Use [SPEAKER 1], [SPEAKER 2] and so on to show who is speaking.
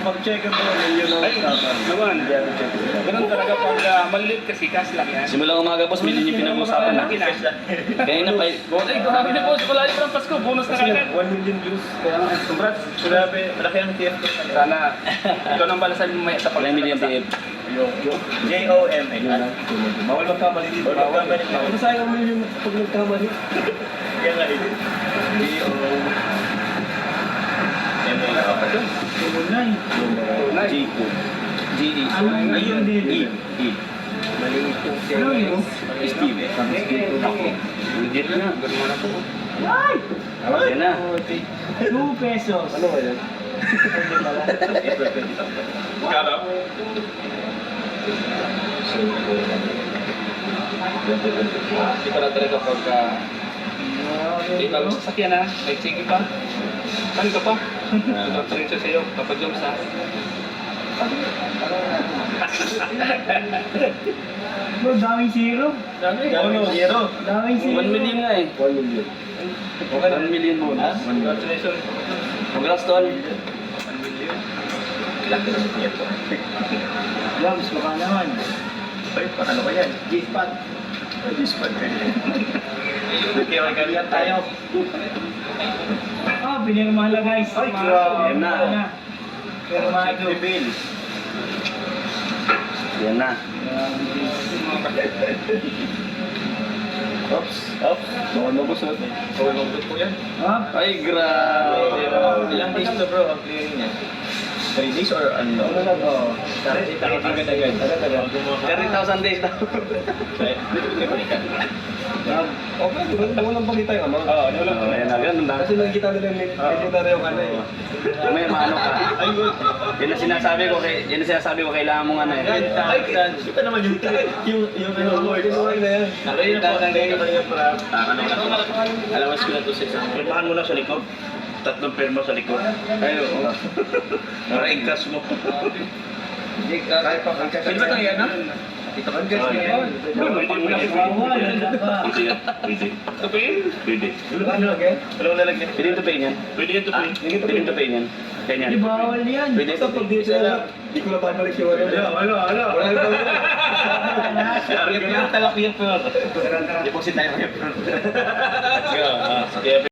[SPEAKER 1] Pag-check mo, yun ang usapan.
[SPEAKER 2] Naman. Ganun talaga pag maliit kasi cash lang yan.
[SPEAKER 3] Simulang umaga boss, million yung pinag-uusapan na. Kaya na pa.
[SPEAKER 2] Ay, grabe na boss. Wala yung Pasko. Bonus na kagad.
[SPEAKER 1] 1 million views.
[SPEAKER 2] Kaya nga, congrats.
[SPEAKER 1] Grabe, malaki ang TF ko.
[SPEAKER 2] Sana, ikaw nang balasan mo may sa
[SPEAKER 3] 1 million TF.
[SPEAKER 1] J-O-M-A. Bawal magkamali dito. Bawal magkamali.
[SPEAKER 4] Ano sayang mo yung pag nagkamali?
[SPEAKER 1] Kaya nga dito. J-O-M-A.
[SPEAKER 4] Tunay.
[SPEAKER 2] Tunay.
[SPEAKER 3] G-E.
[SPEAKER 1] Ayun din.
[SPEAKER 3] E.
[SPEAKER 1] Maliit yung
[SPEAKER 4] Ano yun?
[SPEAKER 3] Steve.
[SPEAKER 2] Ako. Legit na. Ganun mo na po.
[SPEAKER 4] Ay!
[SPEAKER 3] Yan na.
[SPEAKER 4] 2 pesos.
[SPEAKER 1] Ano ba yan? Hindi pala. April 20.
[SPEAKER 2] Kala? Hindi pala talaga pagka... Hindi pa sa sasakyan ha. Like, sige pa. Saan ka pa? Tuturin siya sa'yo. Kapag-jumps ha.
[SPEAKER 4] Bro, daming zero.
[SPEAKER 2] Dami.
[SPEAKER 1] Zero.
[SPEAKER 4] Daming zero.
[SPEAKER 3] 1 million nga eh.
[SPEAKER 1] 1 million.
[SPEAKER 3] 1 million bonus.
[SPEAKER 2] Congratulations.
[SPEAKER 3] Congrats tol.
[SPEAKER 2] 1 million.
[SPEAKER 1] Laki ng TF ko.
[SPEAKER 4] Jobs, baka naman.
[SPEAKER 1] Ay, ano ba yan?
[SPEAKER 4] G-spot.
[SPEAKER 1] G-spot ka yan. Okay, magkalian tayo.
[SPEAKER 4] Ah, pinirmahan lang guys.
[SPEAKER 1] Ay, grabe
[SPEAKER 3] na.
[SPEAKER 4] Pero
[SPEAKER 1] Check the bill.
[SPEAKER 3] Yan na.
[SPEAKER 1] Oops. Oops. Bawal mabusot. Bawal mabusot po yan.
[SPEAKER 4] Ah,
[SPEAKER 3] Ay grabe.
[SPEAKER 1] Ilang days na bro ang clearing niya? 3 days or ano?
[SPEAKER 4] ano na to?
[SPEAKER 1] Agad-agad. Agad-agad.
[SPEAKER 3] 30,000 days daw.
[SPEAKER 1] May balikan.
[SPEAKER 4] Okay, di ba? Walang pagkita yung ano.
[SPEAKER 2] Oo, ano lang.
[SPEAKER 3] Oh, yan na. Ganun lang.
[SPEAKER 4] Kasi nakikita nila yung legendary yung ano eh.
[SPEAKER 3] May maano ka. Yan ang sinasabi ko kailangan mong ano eh.
[SPEAKER 1] Ay, kita naman yung ano mo.
[SPEAKER 4] Kinuhay na yan.
[SPEAKER 1] Nakita ko yung para ano na to. Alawas ko na to sa isang. Pirmahan mo na sa likod. 3 pirma sa likod. Ay, oo. Para i-cash mo.
[SPEAKER 4] Kaya pa ang
[SPEAKER 1] Pwede ba ito yan, ha? Ito ka guys.
[SPEAKER 4] Bawal, wala pa.
[SPEAKER 1] Pwede yan. Pwede.
[SPEAKER 2] Ito pa yun?
[SPEAKER 1] Pwede.
[SPEAKER 4] Ano, okay?
[SPEAKER 1] Walang lalagyan.
[SPEAKER 3] Pwede ito pay niyan.
[SPEAKER 1] Pwede yan to pay.
[SPEAKER 3] Pwede ito pay niyan. Ganyan.
[SPEAKER 4] Di bawal yan.
[SPEAKER 3] Pwede
[SPEAKER 4] Basta pag dito na, di ko na babalik yung ano.
[SPEAKER 1] Ano?
[SPEAKER 4] Wala na babalik.
[SPEAKER 1] Yung talak yung pero. Deposit tayo ngayon. Let's go. Sige.